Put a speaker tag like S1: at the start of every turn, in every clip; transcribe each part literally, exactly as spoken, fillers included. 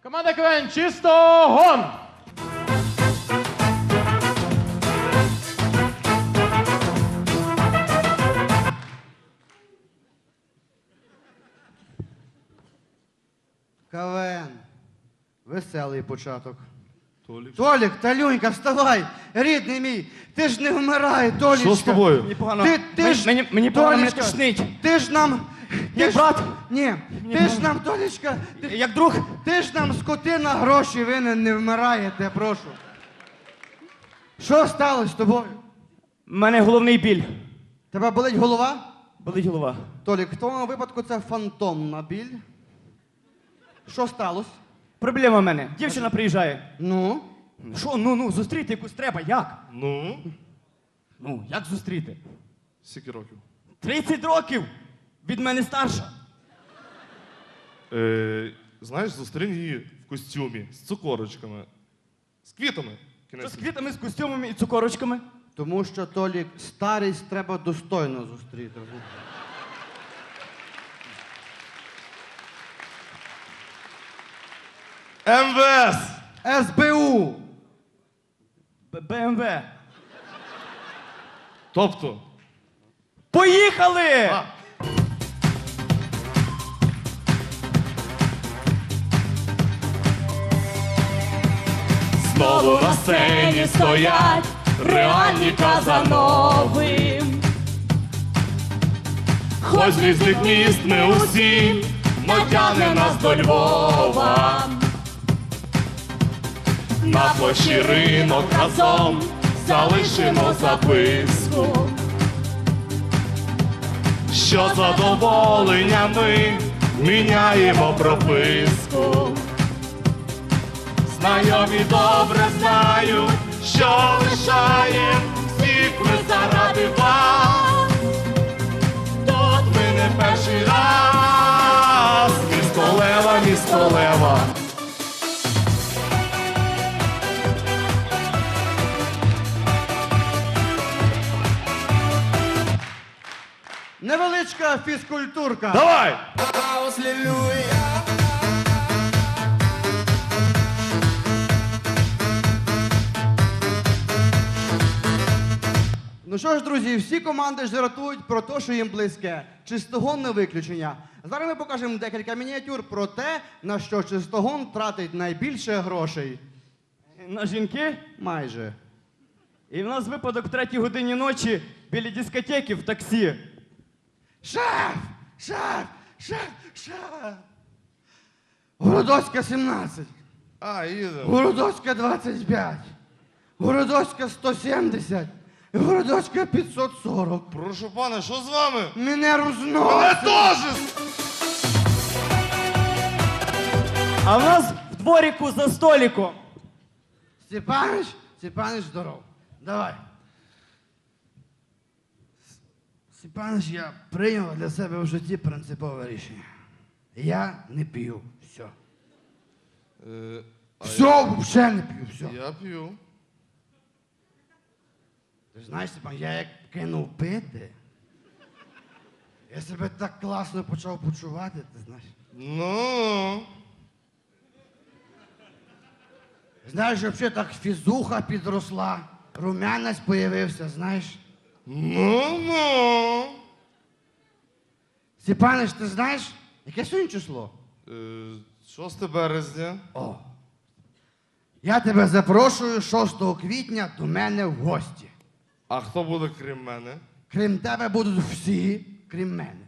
S1: Команда КВН «Чисто гон».
S2: КВН. Веселий початок.
S3: Толік.
S2: Толік, Талюнька, вставай! Рідний мій! Ти ж не вмирай, Толічка!
S3: Що з тобою?
S4: Мені погано.
S2: Ти, ти
S4: Мені-
S2: ж,
S4: мені- мені погано, мене
S2: Толічка,
S4: тошнить.
S2: Ти ж нам... Ти
S4: Як
S2: ж,
S4: брат?
S2: Ні, ти ж нам, Толічка, ти,
S4: Як друг?
S2: ти ж нам, скотина, гроші винен, не вмираєте, прошу. Що сталося з тобою?
S4: У мене головний біль.
S2: Тебе болить голова?
S4: Болить голова.
S2: Толік, в твоєму випадку це фантомна біль. Що сталося?
S4: Проблема в мене. Дівчина приїжджає.
S2: Ну?
S4: Що, ну, ну, зустріти якусь треба, як?
S3: Ну,
S4: Ну, як зустріти?
S3: скільки років?
S4: тридцять років! Від мене старша.
S3: Е, знаєш, зустрінь її в костюмі, з цукорочками, з квітами.
S4: Що
S3: Кінець.
S4: з квітами, з костюмами і цукорочками?
S2: Тому що, Толік, старість треба достойно зустріти.
S3: МВС!
S2: СБУ!
S4: Б- БМВ.
S3: Тобто,
S4: Поїхали!
S3: А.
S5: Знову на сцені стоять реальні Казанови.
S3: хоч з різних міст ми усі,
S5: Натягне нас до Львова.
S3: на площі ринок разом залишимо записку, що задоволення ми міняємо прописку. Знайомі добре знають, що лишаєм всіх ми заради вас. Тут ми не перший раз, місто Лева, місто Лева.
S2: Невеличка фізкультурка.
S3: Давай!
S2: Ну що ж, друзі, всі команди жартують про те, що їм близьке. Чистогон не виключення. Зараз ми покажемо декілька мініатюр про те, на що чистогон тратить найбільше грошей.
S4: На жінки.
S2: Майже.
S4: І в нас випадок в третій годині ночі біля дискотеки в таксі.
S2: Шеф! Шеф! Шеф! Шеф! Городоцька сімнадцять.
S3: А, їдемо.
S2: Городоцька двадцять п'ять. Городоцька сто сімдесят. І Городоцька п'ятсот сорок.
S3: Прошу пане, що з вами?
S2: Мене
S3: Мене
S2: розносить.
S3: теж!
S4: А в нас в дворіку за столиком.
S2: Степаныч, Степаныч, здоров. Давай. Степаныч, я прийняв для себе в житті принципове рішення. Я не п'ю. Все.
S3: Е, а
S2: Все, взагалі не п'ю, все.
S3: Я, я п'ю.
S2: Ти знаєш, Степан, я як кинув пити, я себе так класно почав почувати, ти знаєш.
S3: Ну,
S2: Знаєш, взагалі так фізуха підросла, румянець появився, знаєш.
S3: ну, ну.
S2: Степанич, ти знаєш, яке сьогодні число?
S3: Е, шосте березня.
S2: О. Я тебе запрошую шостого квітня до мене в гості.
S3: А хто буде крім мене?
S2: Крім тебе будуть всі, крім мене.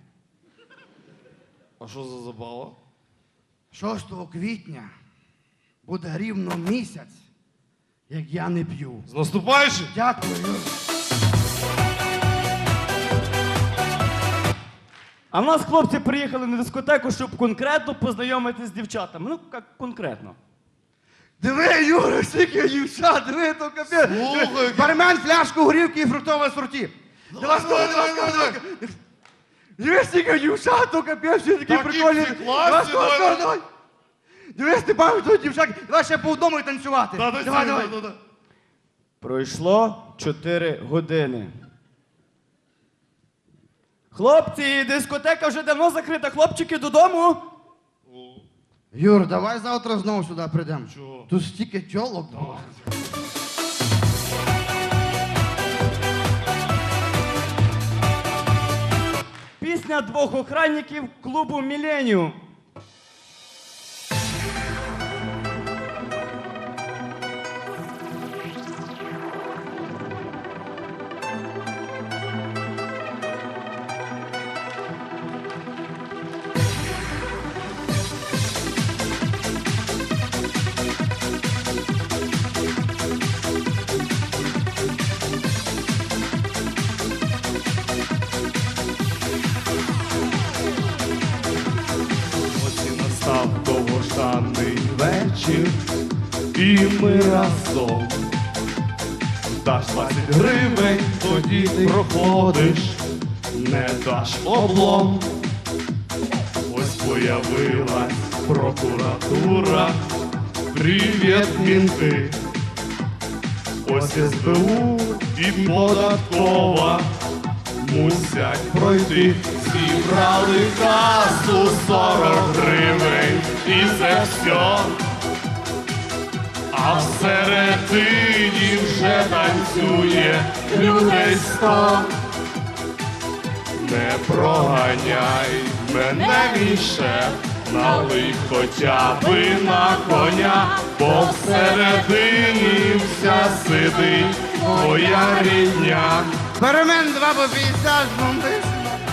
S3: А що за забава?
S2: шостого квітня буде рівно місяць, як я не п'ю.
S3: З наступаючим!
S2: Дякую.
S4: А в нас хлопці приїхали на дискотеку, щоб конкретно познайомитися з дівчатами. Ну, як конкретно.
S2: Диви, Юра, скільки дівчат, диви, то капець.
S3: Слухай,
S2: Бармен, фляжку горівки і фруктове сорті. Давай, давай, давай, давай, давай. Диви, скільки дівчат, то капець, всі такі
S3: Такі
S2: прикольні.
S3: всі класні,
S2: Давай,
S3: давай,
S2: давай,
S3: давай.
S2: давай. Диви, Степан, тут дівчат. Давай ще по одному і танцювати.
S3: Та, та,
S2: Давай,
S3: та,
S2: давай.
S3: та, та.
S4: Пройшло чотири години. Хлопці, дискотека вже давно закрита. Хлопчики, додому.
S2: Юр, давай завтра знову сюди прийдемо.
S3: Чого?
S2: Тут стільки тьолок. було.
S4: Пісня двох охранників клубу Міленіум.
S3: Ось і настав довгожданий вечір, і ми разом. Даш двадцять гривень, тоді ти проходиш, не даш облом. Ось появилась прокуратура, привіт, мінти. Ось ес бе у і податкова мусять пройти. Зібрали касу сорок гривень, і це все. А всередині вже танцює людей сто. Не проганяй мене, мій шеф, налий хоча би на коня, бо всередині вся сидить твоя рідня.
S2: Перемен два по п'ятдесят, бомбис.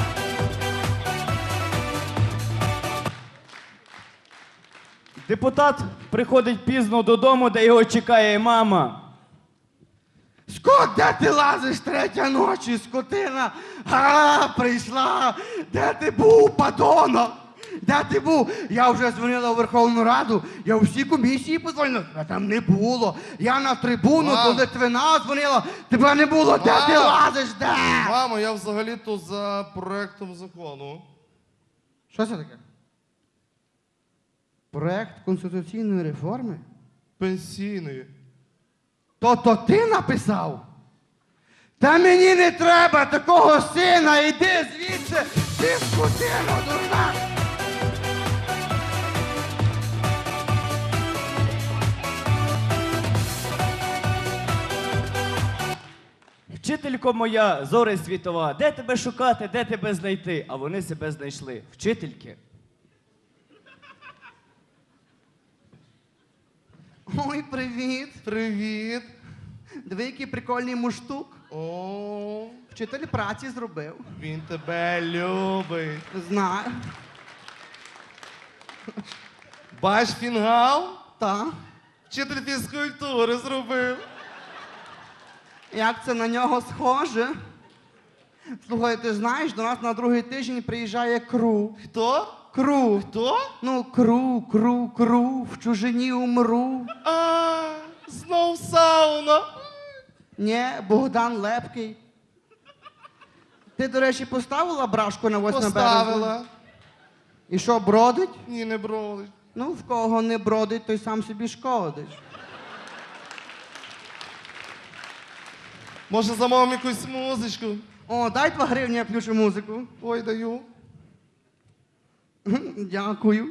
S4: Депутат приходить пізно додому, де його чекає мама.
S2: Скот, де ти лазиш третя ночі, скотина? А, прийшла. Де ти був, падонок? Де ти був? Я вже дзвонила у Верховну Раду, я у всі комісії подзвонила, а там не було. Я на трибуну
S3: Мам.
S2: до Литвина дзвонила, тебе не було, де ти
S3: Мам.
S2: лазиш, де?
S3: Мамо, я взагалі-то за проектом закону.
S2: Що це таке? Проект конституційної реформи?
S3: Пенсійний.
S2: То-то ти написав? Та мені не треба такого сина, іди звідси, ти скотина дурна.
S4: Вчителько моя, зоре світова, де тебе шукати, де тебе знайти? А вони себе знайшли. Вчительки.
S2: Ой, привіт.
S3: Привіт.
S2: Диви, який прикольний муштук.
S3: О,
S2: Вчитель праці зробив.
S3: він тебе любить.
S2: Знаю.
S3: Бач фінгал?
S2: Та.
S3: Вчитель фізкультури зробив.
S2: Як це на нього схоже? Слухай, ти знаєш, до нас на другий тиждень приїжджає кру.
S3: Хто?
S2: Кру.
S3: Хто?
S2: Ну, кру, кру, кру, в чужині умру.
S3: А, знов сауна.
S2: Ні, Богдан Лепкий. Ти, до речі, поставила брашку на восьме березня?
S3: Поставила.
S2: І що, бродить?
S3: Ні, не бролить.
S2: Ну, в кого не бродить, той сам собі шкодить.
S3: Може, замовимо якусь музичку?
S2: О, дай два гривні, я включу музику.
S3: Ой, даю.
S2: Дякую.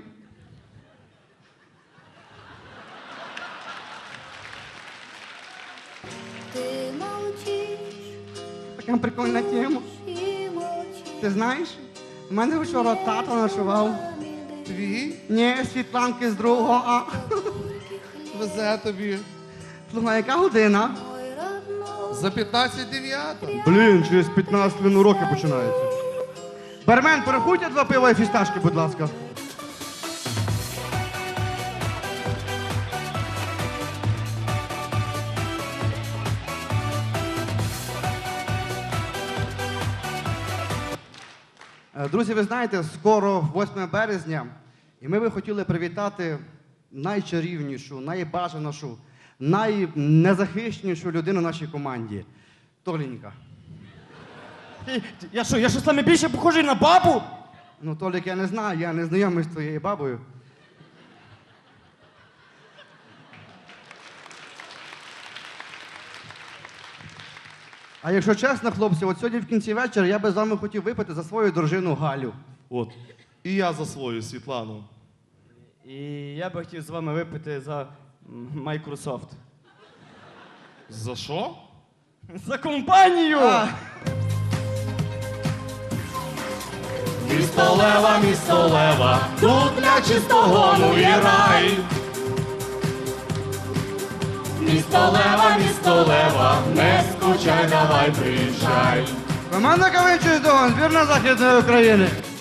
S5: Ти мовчиш
S2: Така прикольна тема.
S5: і мовчиш.
S2: Ти знаєш, в мене вчора тато ночував.
S3: Твій
S2: Ні, Світланки з другого А.
S3: везе тобі.
S2: Слухай, яка година?
S5: Мой родной.
S3: За п'ятнадцять дев'ята.
S2: Блін, через п'ятнадцять хвилин уроки починаються. Бармен, порахуйте два пива і фісташки, будь ласка. Е, Друзі, ви знаєте, скоро восьме березня, і ми би хотіли привітати найчарівнішу, найбажанішу, найнезахищенішу людину в нашій команді. Толенька.
S4: Ти- Я що, я що саме більше похожий на бабу?
S2: Ну, Толік, я не знаю, я не знайомий з твоєю бабою. А якщо чесно, хлопці, от сьогодні в кінці вечора я би з вами хотів випити за свою дружину Галю.
S3: От. І я за свою Світлану.
S4: І я би хотів з вами випити за м, Microsoft.
S3: За що?
S4: За компанію!
S2: А,
S1: Місто Лева, місто Лева, тут для чистогону є рай. Місто Лева, місто Лева, не скучай, давай приїжджай.
S2: команда КВН «Чистогон», збірна Західної України.